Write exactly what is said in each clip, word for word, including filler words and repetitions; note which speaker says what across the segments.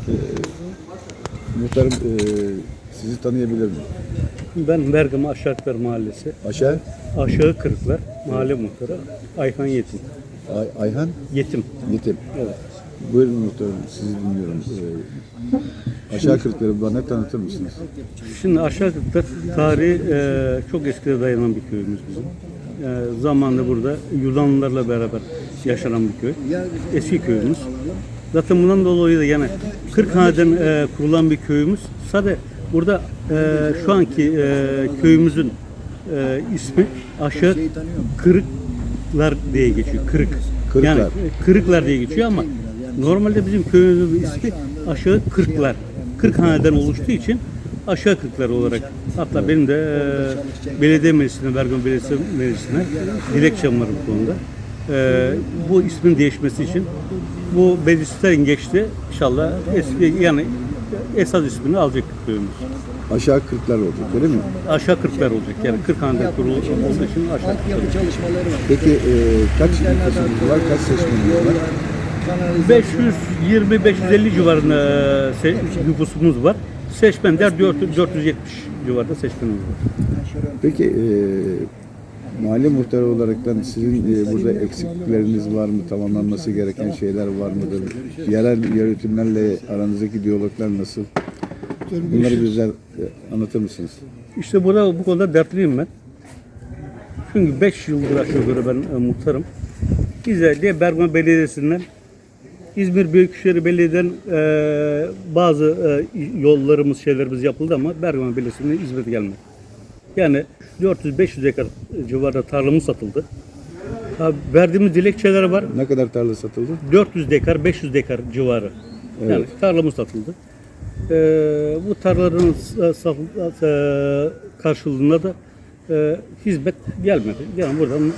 Speaker 1: Muhtarım, e, sizi tanıyabilir miyim?
Speaker 2: Ben Bergama Aşağıklar Mahallesi,
Speaker 1: Aşağı
Speaker 2: Aşağı Kırıklar Mahalle Muhtarı Ayhan Yetim.
Speaker 1: Ay, Ayhan
Speaker 2: Yetim.
Speaker 1: Yetim.
Speaker 2: Evet.
Speaker 1: Buyurun muhtarım, sizi dinliyorum. E, aşağı Kırıkları bana tanıtır mısınız?
Speaker 2: Şimdi Aşağı Kırıklar tarihi e, çok eskide dayanan bir köyümüz bizim. E, zamanında burada Yunanlılarla beraber yaşanan bir köy. Eski köyümüz. Zaten bundan dolayı da yani kırk haneden e, kurulan bir köyümüz. Sadece burada e, şu anki e, köyümüzün e, ismi Aşağı Kırıklar diye geçiyor. Kırık.
Speaker 1: Kırıklar.
Speaker 2: Yani e, Kırıklar diye geçiyor ama normalde bizim köyümüzün ismi Aşağı Kırklar. Kırk haneden oluştuğu için Aşağı Kırklar olarak. Hatta benim de e, belediye meclisine, Bergama Belediye Meclisi'ne dilekçem var bu konuda. E, bu ismin değişmesi için bu meclislerin geçti. İnşallah eski yani esas ismini alacak köyümüz.
Speaker 1: Aşağı Kırıklar olacak, öyle mi?
Speaker 2: Aşağı Kırklar olacak. Yani kırk haneden kurulu olduğu için aşağı Kırklar.
Speaker 1: Peki e, kaç nüfusumuz var, kaç seçmenimiz var?
Speaker 2: beş yüz yirmi beş yüz elli civarında se- nüfusumuz var. Seçmenler dört yüz yetmiş civarında seçmenimiz var.
Speaker 1: Peki e, mahalle muhtarı olaraktan sizin e, burada eksiklikleriniz var mı? Tamamlanması gereken şeyler var mıdır? Yerel yönetimlerle aranızdaki diyaloglar nasıl? Bunları bize e, anlatır mısınız?
Speaker 2: İşte burada bu konuda dertliyim ben. Çünkü beş yıldır aşağı yukarı ben e, muhtarım. Bize diye Bergama Belediyesi'nden İzmir Büyükşehir Belediye'den e, bazı e, yollarımız, şeylerimiz yapıldı ama Bergama Belediyesi'ne hizmet gelmedi. Yani dört yüz beş yüz ekar civarında tarlamız satıldı. Ha, verdiğimiz dilekçeler var.
Speaker 1: Ne kadar tarla satıldı?
Speaker 2: dört yüz dekar, beş yüz dekar civarı.
Speaker 1: Evet.
Speaker 2: Yani tarlamız satıldı. E, bu tarlaların e, karşılığında da e, hizmet gelmedi. Yani buradan e,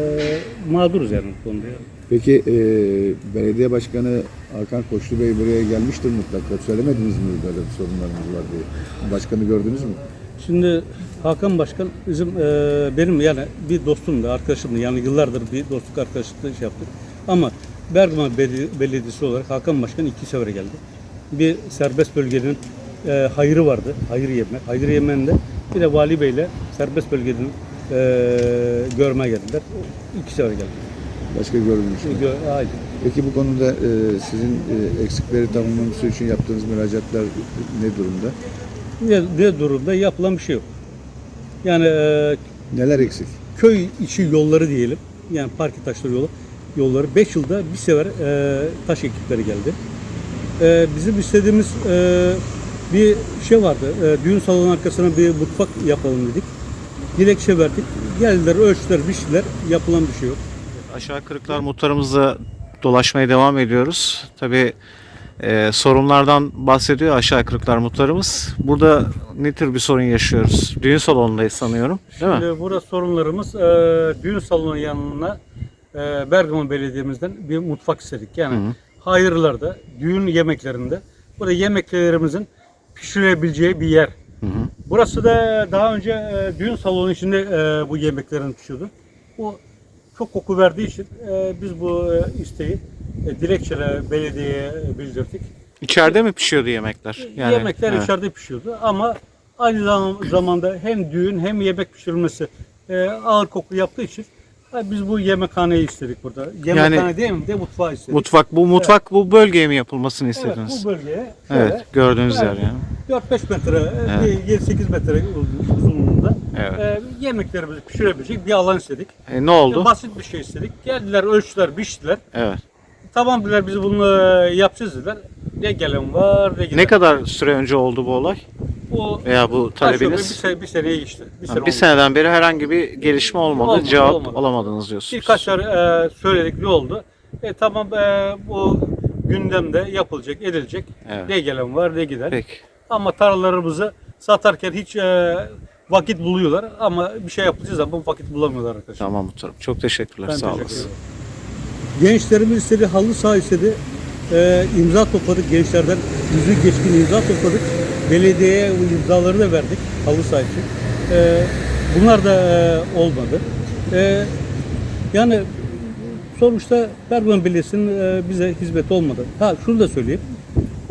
Speaker 2: mağduruz yani bu konuda. Yani.
Speaker 1: Peki e, belediye başkanı Hakan Koçlu Bey buraya gelmiştir mutlaka. Söylemediniz mi böyle sorunlarımız var diye? Başkanı gördünüz mü?
Speaker 2: Şimdi Hakan Başkan bizim e, benim yani bir dostumdu, arkadaşımdı. Yani yıllardır bir dostluk arkadaşlıkla şey yaptık. Ama Bergama Belediyesi olarak Hakan Başkan iki sefer geldi. Bir serbest bölgenin e, hayırı vardı. Hayır yemek. Hayır yemeğinde bir de Vali Bey'le serbest bölgenin e, görmeye geldiler. İki sefer geldi.
Speaker 1: Başka görülmüş mü?
Speaker 2: Gö- Aynen.
Speaker 1: Peki bu konuda e, sizin e, eksikleri tamamlaması için yaptığınız müracaatlar ne durumda?
Speaker 2: Ne, ne durumda yapılan bir şey yok. Yani e,
Speaker 1: Neler eksik?
Speaker 2: köy içi yolları diyelim. Yani parke taşları yolu yolları beş yılda bir sefer e, taş ekipleri geldi. E, bizim istediğimiz e, bir şey vardı. E, düğün salonu arkasına bir mutfak yapalım dedik. Dilekçe verdik. Geldiler, ölçtüler, biçtiler. Yapılan bir şey yok.
Speaker 3: Aşağı Kırıklar muhtarımızla dolaşmaya devam ediyoruz. Tabii e, sorunlardan bahsediyor Aşağı Kırıklar muhtarımız. Burada ne tür bir sorun yaşıyoruz? Düğün salonundayız sanıyorum, değil mi?
Speaker 2: Şimdi burada sorunlarımız e, düğün salonu yanına e, Bergama Belediye'mizden bir mutfak istedik. Yani
Speaker 3: Hı hı.
Speaker 2: hayırlarda, düğün yemeklerinde burada yemeklerimizin pişirebileceği bir yer.
Speaker 3: Hı hı.
Speaker 2: Burası da daha önce e, düğün salonu içinde e, bu yemeklerin pişiyordu. Bu çok koku verdiği için e, biz bu e, isteği e, dilekçeyle belediyeye bildirdik.
Speaker 3: İçeride mi pişiyordu yemekler? Yani,
Speaker 2: Yemekler
Speaker 3: evet.
Speaker 2: içeride pişiyordu ama aynı zam- zamanda hem düğün hem yemek pişirilmesi e, ağır koku yaptığı için e, biz bu yemekhaneyi istedik burada. Yemekhane
Speaker 3: Yani-
Speaker 2: değil mi de mutfağı istedik.
Speaker 3: Mutfak, bu mutfak bu bölgeye mi yapılmasını
Speaker 2: Evet,
Speaker 3: istediniz?
Speaker 2: bu bölgeye
Speaker 3: Evet,
Speaker 2: şöyle,
Speaker 3: gördüğünüz
Speaker 2: yani
Speaker 3: yer yani.
Speaker 2: dört beş metre, e,
Speaker 3: Evet.
Speaker 2: yedi sekiz metre uzunluğunda
Speaker 3: Evet.
Speaker 2: e, yemeklerimizi pişirebilecek bir alan istedik.
Speaker 3: E, ne oldu?
Speaker 2: Basit bir şey istedik. Geldiler, ölçtüler, biçtiler.
Speaker 3: Evet.
Speaker 2: Tamam dediler, biz bunu e, yapacağız dediler. Ne gelen var, ne giden.
Speaker 3: Ne kadar süre önce oldu bu olay?
Speaker 2: Bu
Speaker 3: Veya bu
Speaker 2: aşağı yukarı bir,
Speaker 3: talebiniz?
Speaker 2: sene, bir seneye geçti. Bir,
Speaker 3: Ha,
Speaker 2: sene
Speaker 3: bir
Speaker 2: oldu.
Speaker 3: seneden beri herhangi bir gelişme olmadı,
Speaker 2: Olmadı,
Speaker 3: cevap
Speaker 2: olmadı.
Speaker 3: alamadınız diyorsunuz.
Speaker 2: Birkaç yer e, söyledik, ne oldu? E, tamam e, bu gündemde yapılacak, edilecek.
Speaker 3: Evet.
Speaker 2: Ne gelen var, ne giden.
Speaker 3: Peki.
Speaker 2: Ama tarlalarımızı satarken hiç e, vakit buluyorlar ama bir şey yapacağız ama bu vakit bulamıyorlar arkadaşlar.
Speaker 3: Tamam muhtarım. Çok teşekkürler.
Speaker 2: Ben
Speaker 3: Sağ
Speaker 2: teşekkür
Speaker 3: olasın.
Speaker 2: ederim. Gençlerimiz istedi, halı saha istedi. Ee, imza topladık gençlerden. Yüzü geçkin imza topladık. Belediyeye bu imzaları da verdik halı saha için. Ee, bunlar da e, olmadı. Ee, yani sonuçta Bergama Belediyesi'nin e, bize hizmet olmadı. Ha şunu da söyleyeyim.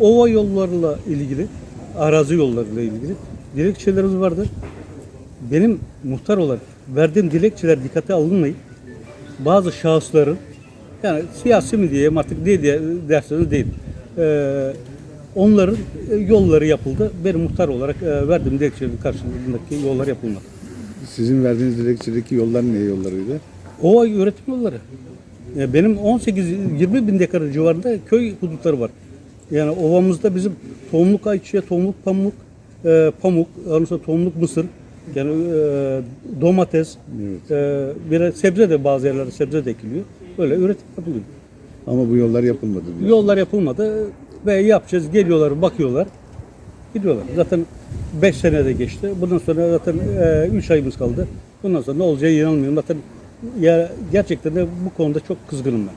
Speaker 2: ova yollarıyla ilgili, arazi yollarıyla ilgili dilekçelerimiz vardır. Benim muhtar olarak verdiğim dilekçeler dikkate alınmayıp bazı şahısların, yani siyasi mi diyeyim artık ne diye derseniz değil, ee, onların yolları yapıldı. Benim muhtar olarak e, verdiğim dilekçelerin karşılığındaki yollar yapılmadı.
Speaker 1: Sizin verdiğiniz dilekçedeki yollar ne yollarıydı?
Speaker 2: Ova üretim yolları. Ya benim on sekiz yirmi bin dekar civarında köy hudutları var. Yani ovamızda bizim tohumluk ayçiçeği, tohumluk pamuk, e, pamuk, ondan sonra tohumluk mısır, yani e, domates,
Speaker 1: Evet.
Speaker 2: e, bir sebze de bazı yerlerde sebze de ekiliyor. Böyle üretim yapılıyor.
Speaker 1: Ama bu yollar yapılmadı diyor.
Speaker 2: Yollar yapılmadı ve yapacağız. Geliyorlar, bakıyorlar, gidiyorlar. Zaten beş senede geçti. Bundan sonra zaten üç ayımız kaldı. Bundan sonra ne olacağı inanmıyorum. Zaten ya gerçekten de bu konuda çok kızgınım ben.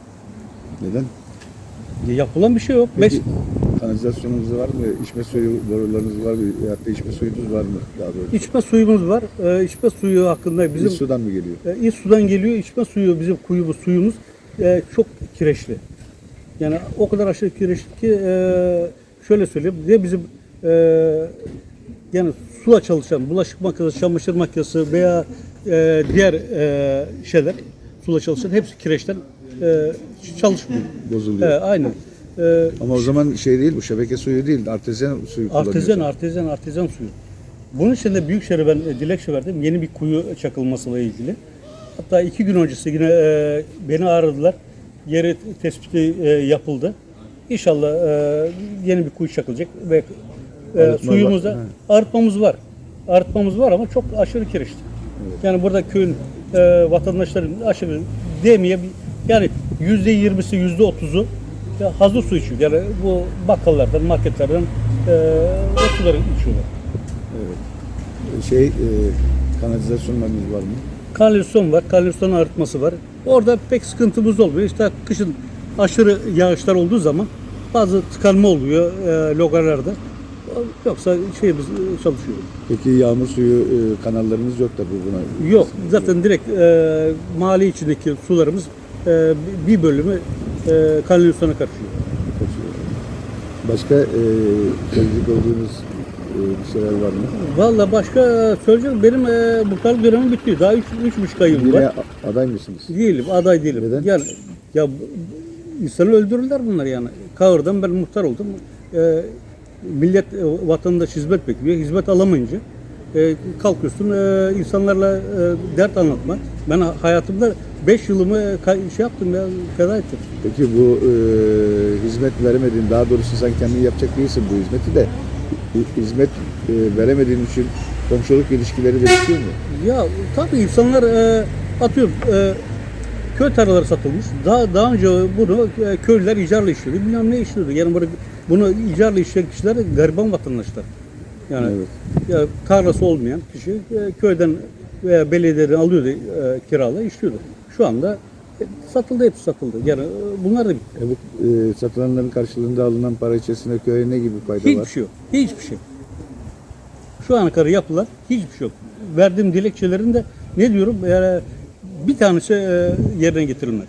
Speaker 1: Neden?
Speaker 2: Ya yapılan bir şey yok. Beş,
Speaker 1: Peki kanalizasyonunuz var mı? İçme suyu borularınız var mı? Veyahut da içme suyunuz var mı? Daha doğrusu.
Speaker 2: içme suyumuz var. E, içme suyu hakkında bizim
Speaker 1: İç sudan mı geliyor?
Speaker 2: e, iç sudan geliyor. İçme suyu bizim kuyumuz, suyumuz e, çok kireçli. Yani o kadar aşırı kireçli ki e, şöyle söyleyeyim. Ya bizim e, yani suya çalışan bulaşık makinesi, çamaşır makinesi veya e, diğer e, şeyler suya çalışan hepsi kireçten e, çalışmıyor.
Speaker 1: Bozuluyor.
Speaker 2: E, aynen. E,
Speaker 1: Ama o zaman şey değil, bu şebeke suyu değil, artezyen suyu kullanıyorsunuz.
Speaker 2: Artezyen, artezyen, artezyen suyu. Bunun için de Büyükşehir'e ben e, dilekçe verdim. Yeni bir kuyu çakılmasıyla ilgili. Hatta iki gün öncesi yine e, beni aradılar. Yeri tespiti e, yapıldı. İnşallah e, yeni bir kuyu çakılacak ve e,
Speaker 1: Arıtma
Speaker 2: suyumuzda
Speaker 1: var.
Speaker 2: arıtmamız var. Arıtmamız var ama çok aşırı kireçli. Yani burada köyün e, vatandaşların aşırı demeye bir, yani yüzde yirmisi, yüzde otuzu ya hazır su içiyor. Yani bu bakkallardan, marketlerden e, o suları içiyorlar.
Speaker 1: Şey, e, kanalizasyonlarınız var mı?
Speaker 2: Kanalizasyon var, kanalizasyon arıtması var. Orada pek sıkıntımız olmuyor. İşte kışın aşırı yağışlar olduğu zaman bazı tıkanma oluyor e, logarlarda. Yoksa şeyimiz e, çalışıyor.
Speaker 1: Peki yağmur suyu e, kanallarınız yok tabii buna.
Speaker 2: Yok, zaten direkt e, mahalle içindeki sularımız e, bir bölümü e, kanalizasyona karışıyor.
Speaker 1: Başka e, söyleyecek olduğunuz e, bir şeyler var mı?
Speaker 2: Vallahi başka söyleyeceğim, benim e, muhtarlık dönemim bitti. Daha üç, üç buçuk ayım
Speaker 1: Yine
Speaker 2: var.
Speaker 1: a- aday mısınız?
Speaker 2: Değilim, aday değilim.
Speaker 1: Neden?
Speaker 2: Yani ya bu- insanı öldürürler bunlar yani. Kağır'dan ben muhtar oldum. E, millet, e, vatandaş hizmet bekliyor. Hizmet alamayınca e, kalkıyorsun e, insanlarla e, dert anlatma. Ben hayatımda beş yılımı ka- şey yaptım ya, feda ettim.
Speaker 1: Peki bu e, hizmet veremediğin, daha doğrusu sen kendin yapacak değilsin bu hizmeti de hi- hizmet e, veremediğin için komşuluk ilişkileri de bitiyor mu?
Speaker 2: Ya tabii insanlar e, atıyorum e, köy tarlaları satılmış. Daha daha önce bunu e, köylüler icarla işliyordu. Bilmem ne işliyordu. Yani bunu, bunu icarla işleyen kişiler de gariban vatandaşlar. Yani
Speaker 1: Evet.
Speaker 2: ya tarlası olmayan kişi e, köyden veya belediyeden alıyordu e, kirala işliyordu. Şu anda e, satıldı, hepsi satıldı. Yani e, bunlar da bitti.
Speaker 1: E, bu e, satılanların karşılığında alınan para içerisinde köye ne gibi fayda
Speaker 2: Hiçbir
Speaker 1: var?
Speaker 2: şey yok. Hiçbir şey. Şu ana kadar yapılan hiçbir şey yok. Verdiğim dilekçelerin de ne diyorum yani bir tanesi e, yerine getirilmedi.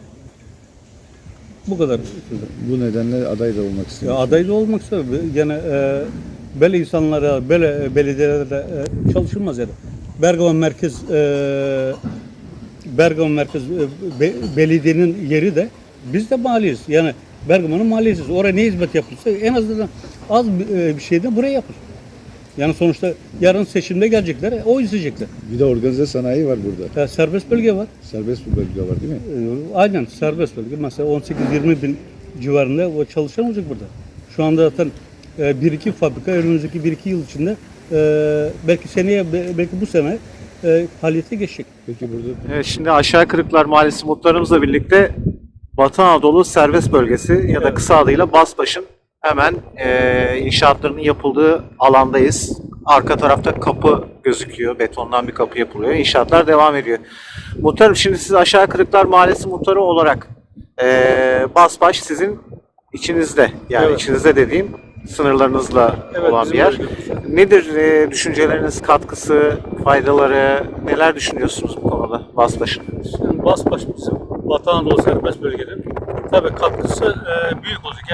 Speaker 2: Bu kadar.
Speaker 1: Bu nedenle aday da olmak
Speaker 2: Ya
Speaker 1: istiyorum.
Speaker 2: aday da olmak istiyorum. Yani e, böyle insanlara, böyle belediyelerde e, çalışılmaz yani. Bergama Merkez e, Bergama Merkez e, be, belediyenin yeri de biz de mahalleyiz. Yani Bergama'nın mahallesiyiz. Oraya ne hizmet yapılsa en azından az bir, e, bir şeyden buraya yapılır. Yani sonuçta yarın seçimde gelecekler, o izleyecekler.
Speaker 1: Bir de organize sanayi var burada.
Speaker 2: Ya serbest bölge var.
Speaker 1: Serbest bir bölge var değil mi?
Speaker 2: Ee, Aynen serbest bölge. Mesela on sekiz yirmi bin civarında o çalışan olacak burada. Şu anda zaten e, bir iki fabrika önümüzdeki bir iki yıl içinde e, belki seneye be- belki bu sene e, faaliyete geçecek.
Speaker 1: Peki burada
Speaker 3: Evet, şimdi Aşağı Kırıklar Mahallesi muhtarımızla birlikte Batı Anadolu Serbest Bölgesi ya da
Speaker 2: Evet.
Speaker 3: kısa adıyla Basbaş'ın hemen e, inşaatlarının yapıldığı alandayız. Arka tarafta kapı gözüküyor. Betondan bir kapı yapılıyor. İnşaatlar devam ediyor. Muhtarım, şimdi siz Aşağı Kırıklar Mahallesi muhtarı olarak e, Basbaş sizin içinizde. Yani
Speaker 2: Evet.
Speaker 3: içinizde dediğim sınırlarınızla
Speaker 2: Evet,
Speaker 3: olan bir
Speaker 2: bizim
Speaker 3: yer.
Speaker 2: bölgemizde.
Speaker 3: Nedir e, düşünceleriniz, katkısı, faydaları, neler düşünüyorsunuz bu konuda Basbaş'ın?
Speaker 2: Yani Basbaş bizim Batı Anadolu serbest bölgenin tabii katkısı e, büyük olacak. Yani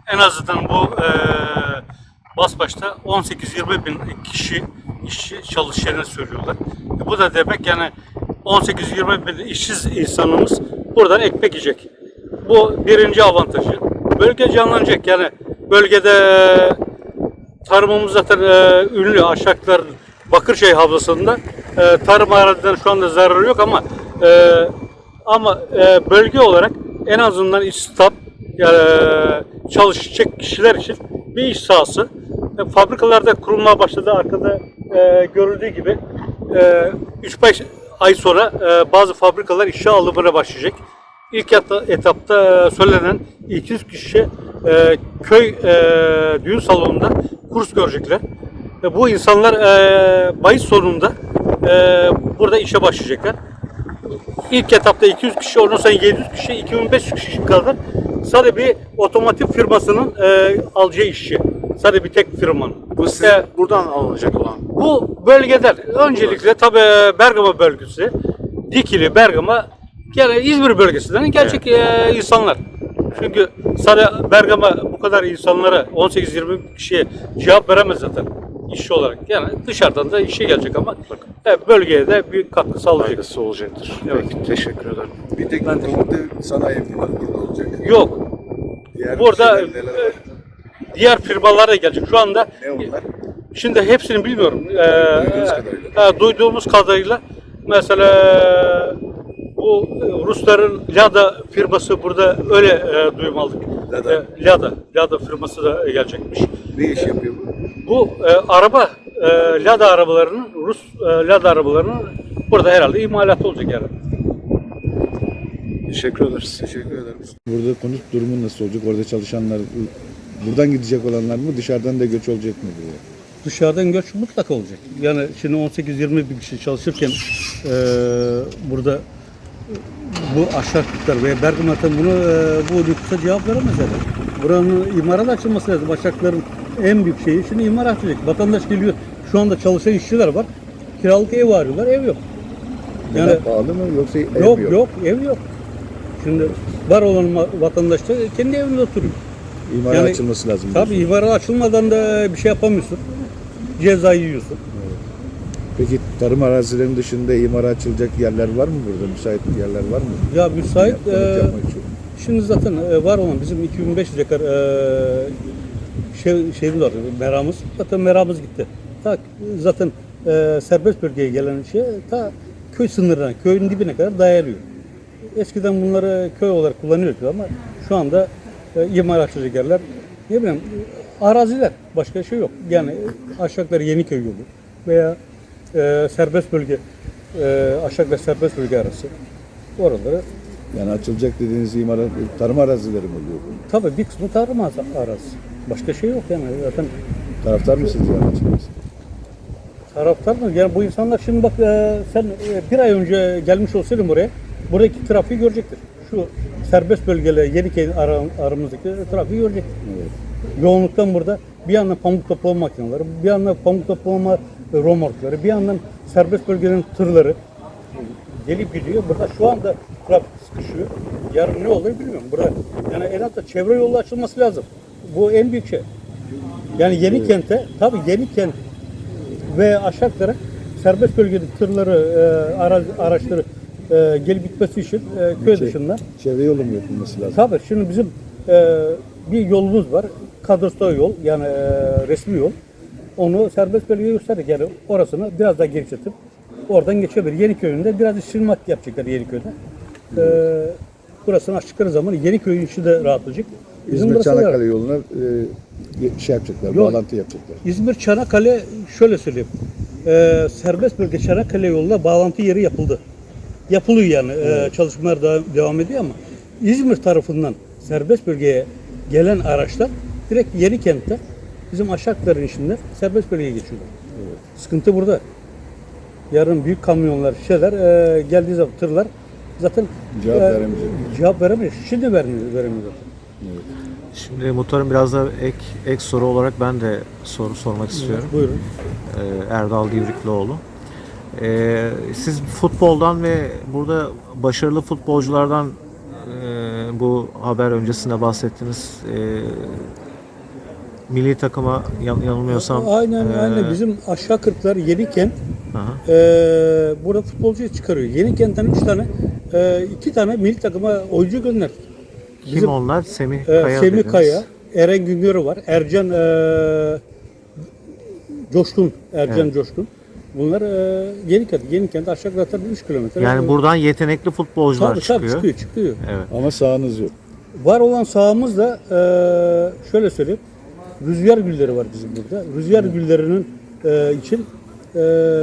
Speaker 2: en azından bu e, Basbaş'ta on sekiz yirmi bin kişi işçi çalışacağını söylüyorlar. E, bu da demek yani on sekiz yirmi bin işsiz insanımız buradan ekmek yiyecek. Bu birinci avantajı. Bölge canlanacak yani bölgede tarımımız zaten e, ünlü Aşaklar Bakırköy havzasında e, tarım araziden şu anda zararı yok ama e, ama e, bölge olarak en azından istihdam yani, e, çalışacak kişiler için bir iş sahası. E, fabrikalarda kurulmaya başladı. Arkada e, görüldüğü gibi e, üç beş ay sonra e, bazı fabrikalar işe alımına başlayacak. İlk etapta e, söylenen iki yüz kişi e, köy e, düğün salonunda kurs görecekler. E, bu insanlar e, Mayıs sonunda e, burada işe başlayacaklar. İlk etapta iki yüz kişi, ondan sonra yedi yüz kişi, iki bin beş yüz kişi kadar sadece bir otomotiv firmasının e, alacağı işçi. Sadece bir tek firmanın.
Speaker 3: Bu sizin
Speaker 2: E,
Speaker 3: buradan alınacak olan.
Speaker 2: bu bölgeden öncelikle tabi Bergama bölgesi, Dikili, Bergama, yani İzmir bölgesinden gerçek e, insanlar. Çünkü sadece Bergama bu kadar insanlara on sekiz yirmi kişiye cevap veremez zaten işçi olarak. Yani dışarıdan da işe gelecek ama e, bölgeye de bir katkı sağlayacak.
Speaker 3: Faydası olacaktır.
Speaker 2: Evet.
Speaker 3: Peki, teşekkür ederim.
Speaker 1: Bir tek otomotiv sanayi firması burada olacak.
Speaker 2: Yok.
Speaker 1: Diğer
Speaker 2: Burada
Speaker 1: şeyler neler var?
Speaker 2: e, diğer firmalar da gelecek. Şu anda
Speaker 1: Ne onlar?
Speaker 2: şimdi hepsini bilmiyorum. Ee,
Speaker 1: Duyduğunuz kadarıyla.
Speaker 2: e, duyduğumuz kadarıyla mesela bu e, Rusların Lada firması burada öyle e, duyum aldık.
Speaker 1: Lada.
Speaker 2: E, Lada. Lada firması da gelecekmiş.
Speaker 1: Ne iş yapıyor bu?
Speaker 2: Bu e, araba e, Lada arabalarının Rus e, Lada arabalarının burada herhalde imalatı olacak yani.
Speaker 3: Teşekkür ederiz.
Speaker 1: Teşekkür ederim. Burada konut durumu nasıl olacak? Orada çalışanlar, buradan gidecek olanlar mı, dışarıdan da göç olacak mı buraya?
Speaker 2: Dışarıdan göç mutlaka olacak. Yani şimdi on sekiz yirmi bin kişi çalışırken e, burada e, bu Aşaklıklar veya Bergama'dan bunu e, bu nüfusa cevap veremezler. Buranın imara da açılması lazım. Aşakların en büyük şeyi şimdi imar açılacak. Vatandaş geliyor. Şu anda çalışan işçiler var. Kiralık ev arıyorlar. Ev yok.
Speaker 1: Yani
Speaker 2: Yani
Speaker 1: pahalı mı yoksa ev
Speaker 2: yok
Speaker 1: yok?
Speaker 2: yok ev yok. Şimdi var olan ma- vatandaş da kendi evinde oturuyor.
Speaker 1: İmara
Speaker 2: Yani-
Speaker 1: açılması lazım.
Speaker 2: Tabii
Speaker 1: diyorsun.
Speaker 2: imara açılmadan da bir şey yapamıyorsun. Ceza yiyorsun.
Speaker 1: Peki tarım arazilerinin dışında imara açılacak yerler var mı burada? Müsait yerler var mı?
Speaker 2: Ya müsait
Speaker 1: Konut
Speaker 2: e,
Speaker 1: yapmak için.
Speaker 2: şimdi zaten e, var olan bizim iki bin beş yüz dekar e, şey şeyimiz var, meramız. Zaten meramız gitti. Ta zaten e, serbest bölgeye gelen şey ta köy sınırına, köyün dibine kadar dayanıyor. Eskiden bunları köy olarak kullanıyorduk ama şu anda e, imar açılacak yerler, ne bileyim araziler, başka şey yok. Yani aşağı yukarı Yeniköy yolu veya e, serbest bölge, e, aşağı yukarı serbest bölge arası. Oraları
Speaker 1: Yani açılacak dediğiniz imara, tarım arazileri mi oluyor? bu?
Speaker 2: tabii bir kısmı tarım az- arazisi. Başka şey yok yani zaten
Speaker 1: Taraftar mısınız yani açılması?
Speaker 2: taraftar mı? Yani bu insanlar şimdi bak e, sen e, bir ay önce gelmiş olsaydın buraya, buradaki trafiği görecektir. Şu serbest bölgeyle Yeniköy'ün ara, aramızdaki trafiği görecektir.
Speaker 1: Evet.
Speaker 2: Yoğunluktan burada bir yandan pamuk toplama makineleri, bir yandan pamuk toplama romorkları, bir yandan serbest bölgenin tırları gelip gidiyor. Burada şu anda trafik sıkışıyor. Yarın ne olur bilmiyorum. Burada yani en azından çevre yolu açılması lazım. Bu en büyük şey. Yani yeni kente, tabii yeni kent ve aşağılara serbest bölgedeki tırları, e, ara, araçları e, gelip gitmesi için e, köy
Speaker 1: Şey,
Speaker 2: dışında.
Speaker 1: Çevre yolu mu yapılması lazım?
Speaker 2: Tabii şimdi bizim e, bir yolumuz var. Kadastro yol yani e, resmi yol. Onu serbest bölgeye gösterdik. Yani orasını biraz daha genişletip oradan geçebilir. Yeniköy'ünde biraz işçilik yapacaklar Yeniköy'de. E, burasını açtıkları zaman Yeniköy'ün işi de rahatlayacak. Bizim
Speaker 1: İzmir
Speaker 2: burası da-
Speaker 1: Çanakkale yoluna e, şey yapacaklar,
Speaker 2: Yok.
Speaker 1: bağlantı yapacaklar.
Speaker 2: İzmir Çanakkale şöyle söyleyeyim. Ee, serbest bölge Çanakkale yoluna bağlantı yeri yapıldı. Yapılıyor yani. Ee, çalışmalar da devam ediyor ama İzmir tarafından serbest bölgeye gelen araçlar direkt Yenikent'te bizim Aşakların içinde serbest bölgeye geçiyorlar. Sıkıntı burada. Yarın büyük kamyonlar, şeyler e, geldiği zaman tırlar zaten
Speaker 1: Cevap
Speaker 2: e,
Speaker 1: veremeyecek.
Speaker 2: Cevap veremiyor. Şimdi vermiyor, veremiyor zaten.
Speaker 3: Şimdi muhtarım biraz da ek ek soru olarak ben de soru sormak istiyorum.
Speaker 2: Buyurun.
Speaker 3: Ee, Erdal Divriklioğlu. Ee, siz futboldan ve burada başarılı futbolculardan e, bu haber öncesinde bahsettiniz. E, milli takıma yan- yanılmıyorsam
Speaker 2: Aynen
Speaker 3: e,
Speaker 2: aynen bizim aşağı kırklar Yenikent
Speaker 3: aha.
Speaker 2: e, burada futbolcu çıkarıyor. Yenikent'ten üç tane e, iki tane milli takıma oyuncu gönderdik.
Speaker 3: Kim onlar? Semih
Speaker 2: e,
Speaker 3: Kaya
Speaker 2: Semih
Speaker 3: dediniz.
Speaker 2: Kaya, Eren Güngör var, Ercan e, Coşkun, Ercan
Speaker 3: Evet.
Speaker 2: Coşkun. Bunlar e, Yenikent, Yenikent aşağı zaten üç kilometre.
Speaker 3: Yani
Speaker 2: E,
Speaker 3: buradan yetenekli futbolcular
Speaker 2: tabii, tabii,
Speaker 3: çıkıyor.
Speaker 2: çıkıyor, çıkıyor.
Speaker 3: Evet.
Speaker 1: Ama sahanız yok.
Speaker 2: Var olan sahamız da e, şöyle söyleyeyim. Rüzgar gülleri var bizim burada. Rüzgar güllerinin e, için e,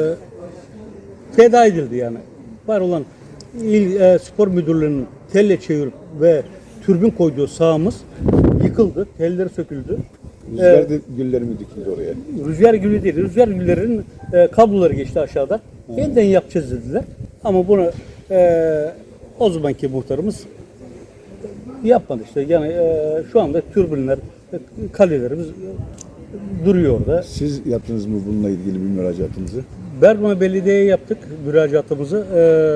Speaker 2: feda edildi yani. Var olan il e, spor müdürlüğünün telle çevirip ve türbün koyduğu sahamız yıkıldı. Telleri söküldü.
Speaker 1: Rüzgar
Speaker 2: Evet.
Speaker 1: de- gülleri mi dikildi oraya?
Speaker 2: Rüzgar gülü değil. Rüzgar güllerinin e, kabloları geçti aşağıdan. Yeniden yapacağız dediler. Ama bunu e, o zamanki muhtarımız yapmadı işte. Yani e, şu anda türbinler, e, kalelerimiz e, duruyor orada.
Speaker 1: Siz yaptınız mı bununla ilgili bir müracaatınızı?
Speaker 2: Bergama Belediye'ye yaptık müracaatımızı.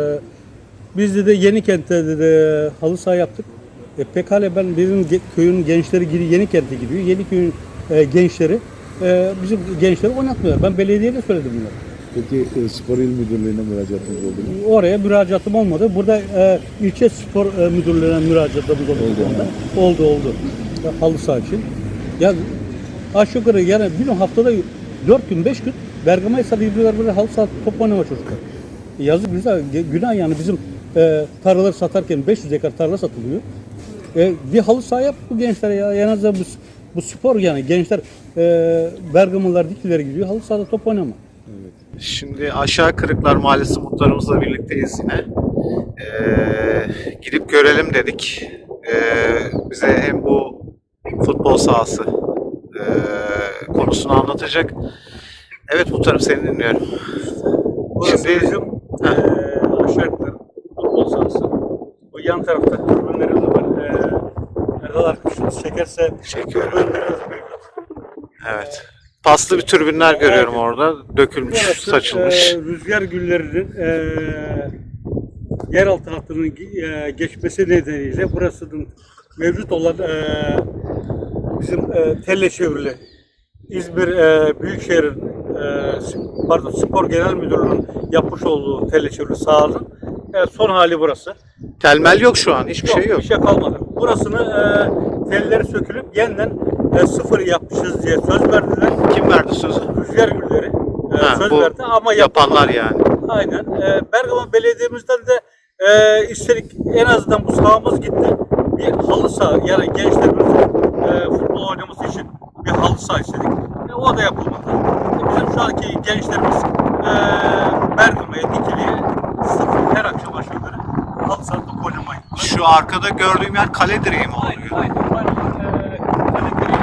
Speaker 2: E, biz de, de Yenikent'te de, de halı saha yaptık. E, pekala ben bizim ge- köyün gençleri gidi Yenikent'e gidiyor. Yeniköy'ün e, gençleri e, bizim gençleri oynatmıyorlar. Ben belediyeye de söyledim bunları.
Speaker 1: Peki e, Spor İl Müdürlüğü'ne müracaatınız oldu mu?
Speaker 2: Oraya müracaatım olmadı. Burada e, ilçe spor e, müdürlüğüne müracaatımız oldu.
Speaker 1: Oldu,
Speaker 2: Oldu, oldu. oldu. E, halı saha için. Ya aşağı yukarı yani bir haftada dört gün, beş gün Bergama'ya gidiyorlar böyle halı saha top oynama çocuklar. Yazık güzel, günah yani bizim e, tarlaları satarken beş yüz dekar tarla satılıyor. E, bir halı saha yap bu gençlere ya. En azından bu, bu spor yani gençler e, Bergamalılar dikilere gidiyor halı sahada top oynama.
Speaker 3: Şimdi Aşağı Kırıklar Mahallesi muhtarımızla birlikteyiz yine. Ee, gidip görelim dedik. Ee, bize hem bu futbol sahası ee, konusunu anlatacak. Evet muhtarım, seni dinliyorum.
Speaker 2: Burası
Speaker 3: Şimdi-
Speaker 2: bizim eee aşağı yukarı futbol sahası. O yan tarafta tribünlerimiz var. Eee Erdal arkadaşımız çekerse
Speaker 3: Çekiyorum.
Speaker 2: tribünlerimiz mevcut.
Speaker 3: Evet. Paslı bir türbinler görüyorum orada. Dökülmüş,
Speaker 2: Burası
Speaker 3: saçılmış.
Speaker 2: eee, rüzgar güllerinin eee yeraltı hattının eee, geçmesi nedeniyle burasının mevcut olan eee, bizim eee telle çevrili İzmir eee Büyükşehir'in eee, pardon Spor Genel Müdürlüğü'nün yapmış olduğu telle çevrili sahanın eee, son hali burası.
Speaker 3: Telmel yok şu an. Hiçbir şey yok.
Speaker 2: Bir şey kalmadı. Burasını eee telleri sökülüp yeniden eee, sıfır yapmışız diye söz verdiler.
Speaker 3: Kim verdi sözü?
Speaker 2: Rüzgar gülleri eee,
Speaker 3: Ha,
Speaker 2: söz
Speaker 3: bu
Speaker 2: verdi ama
Speaker 3: yapanlar
Speaker 2: yapamadı.
Speaker 3: yani.
Speaker 2: Aynen. Ee, Bergama Belediye'mizden de e, istedik en azından bu sahamız gitti. Bir halı saha yani gençlerimizin e, futbol oynaması için bir halı saha istedik. E, o da yapılmadı. E, bizim şu anki gençlerimiz e, Bergama'ya, Dikili'ye sıfır her akşam aşağı yukarı halı saha top oynamayı.
Speaker 3: Şu arkada gördüğüm yer kale direği mi
Speaker 2: Aynen,
Speaker 3: oluyor?
Speaker 2: aynen. Aynen. E, kaliteli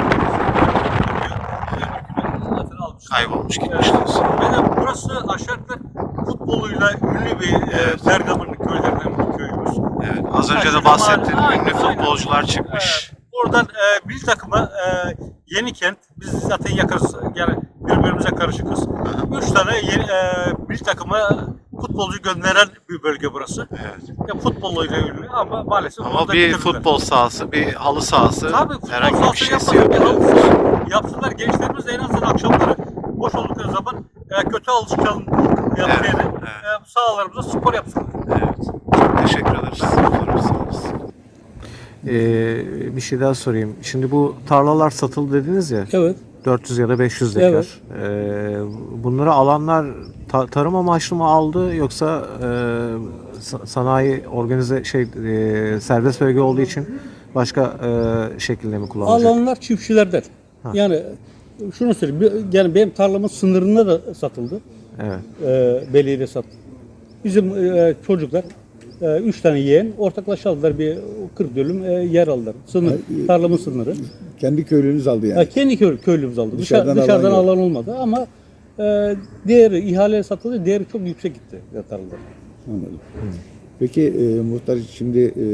Speaker 2: zaten almışlar.
Speaker 3: Kaybolmuş gitmiş diyorsun.
Speaker 2: Ve de burası aşağı yukarı futboluyla ünlü bir e, Bergama'nın köylerinden bir köyümüz.
Speaker 3: Evet. Az önce de
Speaker 2: Aşırı
Speaker 3: bahsettiğim
Speaker 2: mal-
Speaker 3: ünlü
Speaker 2: aynen,
Speaker 3: futbolcular
Speaker 2: aynen.
Speaker 3: çıkmış.
Speaker 2: Evet. Buradan e, bir takıma e, Yenikent, biz zaten yakınız yani birbirimize karışıkız. Üç tane yeni, e, bir takıma futbolcu gönderen bir bölge burası.
Speaker 3: Evet.
Speaker 2: Ya futbolla ünlü ama maalesef
Speaker 3: Ama
Speaker 2: orada
Speaker 3: bir
Speaker 2: bitirdiler.
Speaker 3: futbol sahası, bir halı sahası,
Speaker 2: Tabii futbol
Speaker 3: herhangi bir
Speaker 2: sahası
Speaker 3: şeysi
Speaker 2: yapmasın,
Speaker 3: yok.
Speaker 2: bir halı saha yapsınlar. Gençlerimiz de en azından akşamları boş oldukları zaman e, kötü alışkanlık yaptığını
Speaker 3: Evet,
Speaker 2: e, sahalarımızda spor yapsınlar.
Speaker 3: Evet. Teşekkür ederiz. Muhtarım, sağ olasın. Ee, bir şey daha sorayım. Şimdi bu tarlalar satıldı dediniz ya.
Speaker 2: Evet.
Speaker 3: dört yüz ya da beş yüz dekar.
Speaker 2: Evet.
Speaker 3: Ee, bunları alanlar ta- tarım amaçlı mı aldı yoksa e, sa- sanayi organize şey e, serbest bölge olduğu için başka e, şekilde mi kullanılacak?
Speaker 2: Alanlar çiftçilerden. Yani şunu söyleyeyim. bir- Yani benim tarlamın sınırında da satıldı.
Speaker 3: Evet.
Speaker 2: E, belediye sattı. Bizim e, çocuklar e, üç tane yeğen ortaklaşaldılar bir kırk dönüm e, yer aldılar. Sınır, tarlamın sınırı.
Speaker 1: Kendi köylünüz aldı yani.
Speaker 2: Ya kendi köy, köylümüz aldı.
Speaker 1: Dışarıdan
Speaker 2: Dışarıdan, dışarıdan
Speaker 1: alan yok.
Speaker 2: alan olmadı ama e, değeri ihaleye satıldı. Değeri çok yüksek gitti tarlalar.
Speaker 1: Anladım. Peki e, muhtar şimdi e,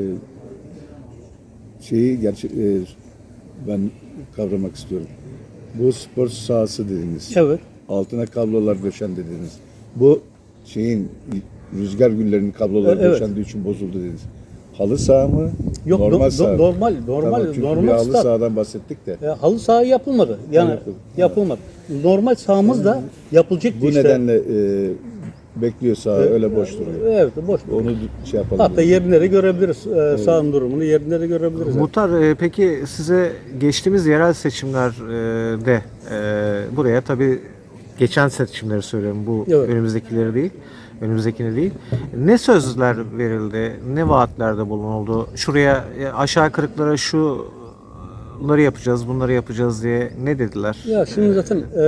Speaker 1: şeyi gerçi e, ben kavramak istiyorum. Bu spor sahası dediniz.
Speaker 2: Evet.
Speaker 1: Altına kablolar döşen dediniz. Bu şeyin rüzgar güllerinin kabloları
Speaker 2: E, evet.
Speaker 1: döşendiği için bozuldu dediniz. Halı saha mı?
Speaker 2: Yok
Speaker 1: Normal
Speaker 2: normal
Speaker 1: saha.
Speaker 2: normal normal
Speaker 1: Tamam, çünkü bir
Speaker 2: normal
Speaker 1: halı
Speaker 2: stat.
Speaker 1: sahadan bahsettik de.
Speaker 2: E, halı saha yapılmadı. Yani
Speaker 1: Yapıldı.
Speaker 2: yapılmadı. Normal sahamız da yapılacaktı
Speaker 1: Bu
Speaker 2: işte.
Speaker 1: nedenle e, bekliyor saha öyle boş duruyor.
Speaker 2: Evet, boş.
Speaker 1: Onu şey yapalım.
Speaker 2: Hatta yerinde de görebiliriz. E, sahanın durumunu yerinde de görebiliriz.
Speaker 3: Muhtar e, peki size geçtiğimiz yerel seçimlerde e, buraya tabii geçen seçimleri söylüyorum, bu
Speaker 2: Evet.
Speaker 3: önümüzdekileri değil, önümüzdekini değil. Ne sözler verildi, ne vaatlerde bulunuldu? Şuraya e, aşağı kırıklara şuları yapacağız, bunları yapacağız diye ne dediler?
Speaker 2: Ya şimdi zaten e,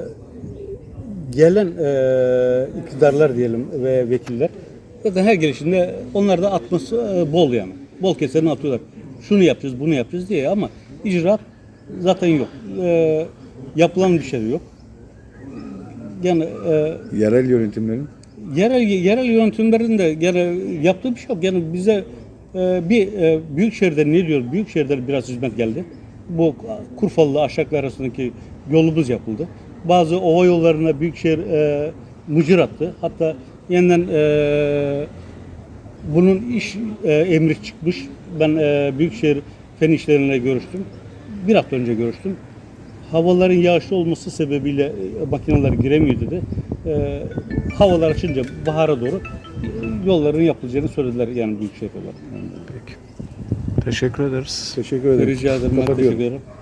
Speaker 2: gelen e, iktidarlar diyelim ve vekiller zaten her gelişinde onlar da atması e, bol yani. Bol keserini atıyorlar. Şunu yapacağız, bunu yapacağız diye ama icraat zaten yok. E, yapılan bir şey de yok. Yani e,
Speaker 1: Yerel yönetimlerin
Speaker 2: yerel yerel yönetimlerin de gene yaptığı bir şey yok. Yani bize e, bir e, büyükşehirde ne diyor? Büyükşehirde biraz hizmet geldi. Bu Kurfalı Aşaklı arasındaki yolumuz yapıldı. Bazı ova yollarına büyükşehir e, mıcır attı. Hatta yeniden e, bunun iş e, emri çıkmış. Ben e, büyükşehir fen işleriyle görüştüm. Bir hafta önce görüştüm. Havaların yağışlı olması sebebiyle e, makineler giremiyor dedi. E, havalar açınca bahara doğru e, yolların yapılacağını söylediler yani büyükşehir olarak.
Speaker 3: Peki. Teşekkür ederiz.
Speaker 1: teşekkür ederim.
Speaker 2: Rica ederim. Ben
Speaker 1: Kapatıyorum.
Speaker 2: teşekkür ederim.